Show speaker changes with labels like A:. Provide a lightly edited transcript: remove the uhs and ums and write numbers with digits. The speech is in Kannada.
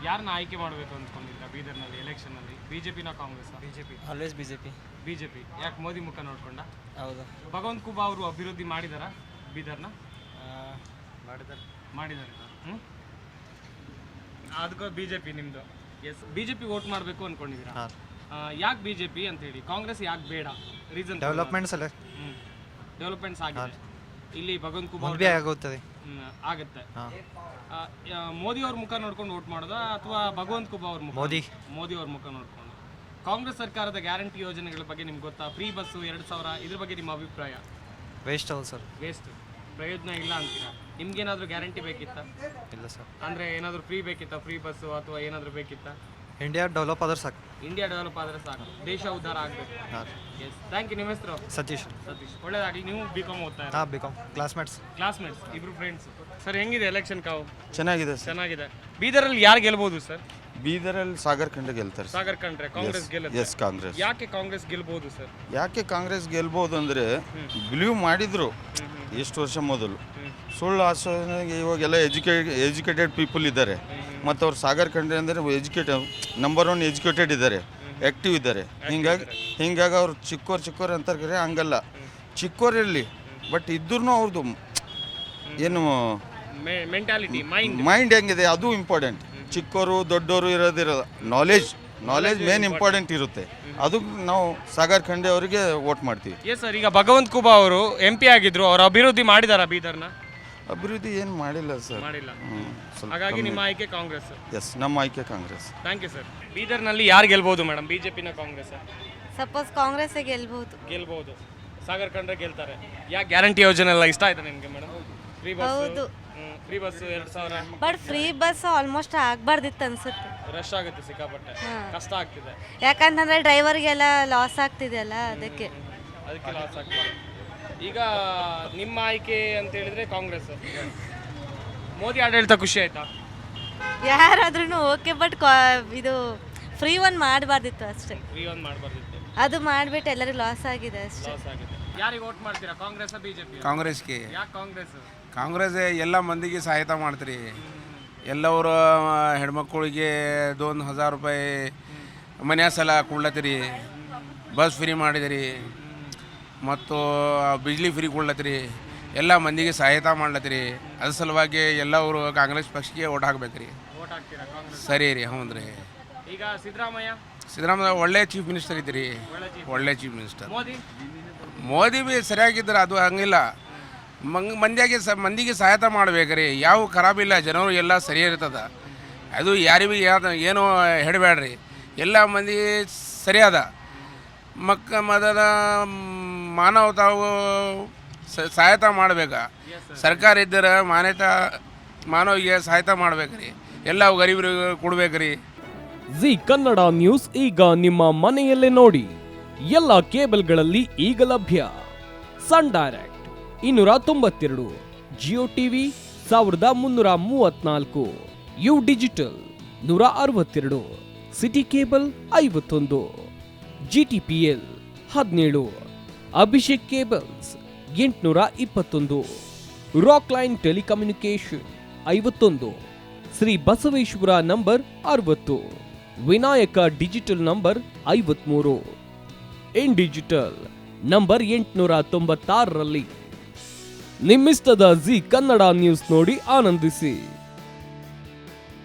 A: ಯಾರನ್ನ ಆಯ್ಕೆ ಮಾಡಬೇಕು ಅಂದ್ಕೊಂಡಿದ್ದೀರಾ ಬೀದರ್ನಲ್ಲಿ ಎಲೆಕ್ಷನ್ನಲ್ಲಿ? ಬಿಜೆಪಿನ Congress? BJP.
B: Always BJP.
A: BJP. ಯಾಕೆ ಮೋದಿ ಮುಖ ನೋಡ್ಕೊಂಡ?
B: ಹೌದು.
A: ಭಗವಂತ ಖೂಬಾ ಅವರು ಅಭಿವೃದ್ಧಿ ಮಾಡಿದಾರಾ ಬೀದರ್ನ? ಮಾಡಿದ್ದಾರೆ. ಅದಕ್ಕೂ ಬಿಜೆಪಿ ನಿಮ್ಮದು? ಎಸ್. ಬಿಜೆಪಿ ವೋಟ್ ಮಾಡಬೇಕು ಅಂದ್ಕೊಂಡಿದ್ದೀರಾ? ಯಾಕೆ ಬಿಜೆಪಿ ಅಂತ ಹೇಳಿ? ಕಾಂಗ್ರೆಸ್ ಯಾಕೆ ಬೇಡ? ರೀಸನ್?
C: ಡೆವಲಪ್ಮೆಂಟ್ಸ್ ಅಲ್ಲ.
A: ಡೆವಲಪ್ಮೆಂಟ್ಸ್ ಆಗಿದೆ ಇಲ್ಲಿ. ಭಗವಂತ ಖೂಬಾ
C: ಆಗುತ್ತದೆ.
A: ಆಗುತ್ತೆ. ಮೋದಿ ಅವ್ರ ಮುಖ ನೋಡ್ಕೊಂಡು ವೋಟ್ ಮಾಡೋದಾ ಅಥವಾ ಭಗವಂತ ಖೂಬಾ ಅವ್ರ ಮುಖ? ಮೋದಿ ಅವ್ರ ಮುಖ ನೋಡ್ಕೊಂಡು. ಕಾಂಗ್ರೆಸ್ ಸರ್ಕಾರದ ಗ್ಯಾರಂಟಿ ಯೋಜನೆಗಳ ಬಗ್ಗೆ ನಿಮ್ಗೆ ಗೊತ್ತಾ? ಫ್ರೀ ಬಸ್ಸು 2000 ಇದ್ರ ಬಗ್ಗೆ ನಿಮ್ಮ ಅಭಿಪ್ರಾಯ?
C: ವೇಸ್ಟ್ ಅಲ್ಲ ಸರ್.
A: ವೇಸ್ಟ್, ಪ್ರಯೋಜನ ಇಲ್ಲ ಅಂತೀರಾ? ನಿಮ್ಗೇನಾದರೂ ಗ್ಯಾರಂಟಿ ಬೇಕಿತ್ತಾ? ಇಲ್ಲ ಸರ್. ಅಂದರೆ ಏನಾದರೂ ಫ್ರೀ ಬೇಕಿತ್ತಾ? ಫ್ರೀ ಬಸ್ಸು ಅಥವಾ ಏನಾದರೂ ಬೇಕಿತ್ತಾ?
C: ಇಂಡಿಯಾ ಡೆವಲಪ್ ಆದ್ರೆ ಸಾಕು.
A: ಇಂಡಿಯಾ ಡೆವಲಪ್ ಆದರೆ ಸಾಕು, ದೇಶ ಉದ್ಧಾರ ಆಗಬೇಕು. ಎಸ್. Thank you. ನಿಮ್ಮ ಹೆಸರು?
C: ಸತೀಶ್.
A: ಒಳ್ಳೇದಾಗಲಿ. ನೀವು ಬಿ.ಕಾಮ್ ಓದ್ತಾ ಇದ್ದೀರಾ?
C: ಬಿ.ಕಾಮ್. ಕ್ಲಾಸ್ಮೇಟ್ಸ್,
A: ಇಬ್ರು ಫ್ರೆಂಡ್ಸ್. ಸರ್ ಹೆಂಗಿದೆ ಎಲೆಕ್ಷನ್ ಕಾವು?
D: ಚೆನ್ನಾಗಿದೆ.
A: ಬೀದರಲ್ಲಿ ಯಾರು ಗೆಲ್ಬಹುದು ಸರ್?
D: ಬೀದರಲ್ಲಿ ಸಾಗರ್ ಖಂಡ್ರೆ ಗೆಲ್ತಾರೆ.
A: ಸಾಗರ್ ಖಂಡ್ರೆ. ಕಾಂಗ್ರೆಸ್ ಗೆಲ್ಲುತ್ತೆ?
D: ಎಸ್, ಕಾಂಗ್ರೆಸ್.
A: ಯಾಕೆ ಕಾಂಗ್ರೆಸ್ ಗೆಲ್ಬಹುದು ಸರ್?
D: ಯಾಕೆ ಕಾಂಗ್ರೆಸ್ ಗೆಲ್ಬೋದು ಅಂದರೆ ಬಿಲೀವ್ ಮಾಡಿದ್ರು ಎಷ್ಟು ವರ್ಷ ಮೊದಲು. ಸುಳ್ಳು ಆಶ್ವಾಸನೆಗೆ ಇವಾಗೆಲ್ಲ ಎಜುಕೇಟೆಡ್ ಪೀಪಲ್ ಇದ್ದಾರೆ. ಮತ್ತು ಅವ್ರು ಸಾಗರ್ ಖಂಡ್ರೆ ಅಂದರೆ ನಂಬರ್ 1 ಎಜುಕೇಟೆಡ್ ಇದ್ದಾರೆ, ಆ್ಯಕ್ಟಿವ್ ಇದ್ದಾರೆ. ಹಿಂಗಾಗಿ ಅವ್ರು ಚಿಕ್ಕೋರು ಅಂತಾರೆ. ಹಂಗಲ್ಲ, ಚಿಕ್ಕೋರಿರಲಿ ಬಟ್ ಇದ್ರೂ ಅವ್ರದ್ದು ಏನು
A: ಮೆಂಟಾಲಿಟಿ,
D: ಮೈಂಡ್ ಹೆಂಗಿದೆ ಅದು ಇಂಪಾರ್ಟೆಂಟ್. ಚಿಕ್ಕೋರು ದೊಡ್ಡವರು ಇರೋದಿರಲ್ಲ, ನಾಲೆಜ್ ಮೇನ್ ಇಂಪಾರ್ಟೆಂಟ್ ಇರುತ್ತೆ. ಅದು ನಾವು ಸಾಗರ್ ಖಂಡ್ರೆ ಅವರಿಗೆ ವೋಟ್ ಮಾಡ್ತೀವಿ.
A: Yes sir. ಈಗ ಭಗವಂತ ಖೂಬಾ ಅವರು MP ಆಗಿದ್ರು, ಅವರು ಅಭಿವೃದ್ಧಿ ಮಾಡಿದಾರ ಬೀದರ್ನ?
D: ಅಭಿವೃದ್ಧಿ ಏನು ಮಾಡಿಲ್ಲ ಸರ್.
A: ಮಾಡಿಲ್ಲ. ಹಾಗಾಗಿ ನಿಮ್ಮ ಆಯ್ಕೆ ಕಾಂಗ್ರೆಸ್?
D: ಎಸ್, ನಮ್ಮ ಆಯ್ಕೆ ಕಾಂಗ್ರೆಸ್.
A: Thank you sir. ಬೀದರ್ನಲ್ಲಿ ಯಾರು ಗೆಲ್ಬಹುದು ಮೇಡಮ್? ಬಿಜೆಪಿನ ಕಾಂಗ್ರೆಸ್?
E: ಸಪೋಸ್ ಕಾಂಗ್ರೆಸ್
A: ಗೆಲ್ಬಹುದು. ಸಾಗರ್ ಖಂಡ್ರೆ ಗೆಲ್ತಾರೆ. ಯಾಕೆ ಗ್ಯಾರಂಟಿ ಯೋಜನೆ ಎಲ್ಲ ಇಷ್ಟ ಆಯ್ತಾ ನಿಮಗೆ madam? Free bus 2000.
E: But free bus almost ಆಗ್ಬಾರ್ದಿತ್ತು ಅನ್ಸುತ್ತೆ.
A: ರಶ್ ಆಗುತ್ತೆ ಸಿಕ್ಕಾಪಟ್ಟೆ, ಕಷ್ಟ ಆಗ್ತಿದೆ.
E: ಯಾಕಂತಂದ್ರೆ ಡ್ರೈವರ್ಗೆಲ್ಲ ಲಾಸ್ ಆಗ್ತಿದೆ ಅಲ್ಲ, ಅದಕ್ಕೆ
A: ಲಾಸ್ ಆಗ್ತಿದೆ. ಈಗ ನಿಮ್ಮ ಆಯ್ಕೆ ಅಂತ ಹೇಳಿದ್ರೆ ಕಾಂಗ್ರೆಸ್. ಮೋದಿ ಆಡಳಿತ ಖುಷಿ ಆಯ್ತಾ?
E: ಯಾರಾದ್ರೂ ಓಕೆ, ಬಟ್ ಇದು ಫ್ರೀ ಒನ್ ಮಾಡಬಾರ್ದಿತ್ತು ಅಷ್ಟೇ.
A: ಫ್ರೀ ಒನ್ ಮಾಡಬಾರ್ದಿತ್ತು.
E: ಅದು ಮಾಡಿಬಿಟ್ಟು ಎಲ್ಲರಿಗೂ ಲಾಸ್ ಆಗಿದೆ ಅಷ್ಟೇ.
A: ಯಾರಿಗೆ ವೋಟ್ ಮಾಡ್ತೀರಾ? ಕಾಂಗ್ರೆಸ್ ಬಿಜೆಪಿ?
F: ಕಾಂಗ್ರೆಸ್ಗೆ.
A: ಯಾಕೆ ಕಾಂಗ್ರೆಸ್?
F: ಕಾಂಗ್ರೆಸ್ ಎಲ್ಲ ಮಂದಿಗೆ ಸಹಾಯತ ಮಾಡ್ತೀರಿ. ಎಲ್ಲವರು ಹೆಣ್ಮಕ್ಳಿಗೆ 2000 ರೂಪಾಯಿ ಮನೆ ಸಲ ಕೊಡ್ಲತ್ತೀರಿ, ಬಸ್ ಫ್ರೀ ಮಾಡಿದಿರಿ, ಮತ್ತು ಬಿಜ್ಲಿ ಫ್ರೀ ಕೊಡ್ಲತ್ತೀರಿ. ಎಲ್ಲ ಮಂದಿಗೆ ಸಹಾಯತ ಮಾಡ್ಲತ್ತೀರಿ. ಅದ್ರ ಸಲುವಾಗಿ ಎಲ್ಲವರು ಕಾಂಗ್ರೆಸ್ ಪಕ್ಷಕ್ಕೆ ಓಟ್ ಹಾಕ್ಬೇಕ್ರಿ. ಸರಿ ರೀ. ಹೌದು ರೀ.
A: ಈಗ
F: ಸಿದ್ದರಾಮಯ್ಯ ಒಳ್ಳೆ ಚೀಫ್ ಮಿನಿಸ್ಟರ್ ಇದ್ದೀರಿ. ಒಳ್ಳೆ ಚೀಫ್ ಮಿನಿಸ್ಟರ್. ಮೋದಿ ಭೀ ಸರಿಯಾಗಿದ್ದಾರೆ, ಅದು ಹಂಗಿಲ್ಲ. ಮಂದಿಗೆ ಸಹಾಯತ ಮಾಡ್ಬೇಕ್ರಿ. ಯಾವ ಖರಾಬಿಲ್ಲ, ಜನರು ಎಲ್ಲ ಸರಿ ಇರ್ತದೆ. ಅದು ಯಾರಿಗೂ ಏನೋ ಹೇಳಬೇಡ್ರಿ, ಎಲ್ಲ ಮಂದಿ ಸರಿಯಾದ ಮದದ ಮಾನವತಾವು ಸಹಾಯತ ಮಾಡ್ಬೇಕು. ಸರ್ಕಾರ ಇದ್ದರೆ ಮಾನವಿಗೆ ಸಹಾಯತ ಮಾಡ್ಬೇಕ್ರಿ. ಎಲ್ಲ ಗರೀಬರಿಗೆ ಕೊಡ್ಬೇಕ್ರಿ.
G: ಜಿ ಕನ್ನಡ ನ್ಯೂಸ್ ಈಗ ನಿಮ್ಮ ಮನೆಯಲ್ಲೇ ನೋಡಿ. ಎಲ್ಲ ಕೇಬಲ್ಗಳಲ್ಲಿ ಈಗ ಲಭ್ಯ. Sun Direct 292, Jio TV 1334, U Digital 162, City Cable 51, GTPL 17, Abhishek cables 821, Rock Line telecommunication 51, Shri Basaveshwara number 60, Vinayaka digital number 53, in digital number 896ರಲ್ಲಿ. ನಿಮ್ಮಿಸ್ತದ ಜಿ ಕನ್ನಡ ನ್ಯೂಸ್ ನೋಡಿ ಆನಂದಿಸಿ.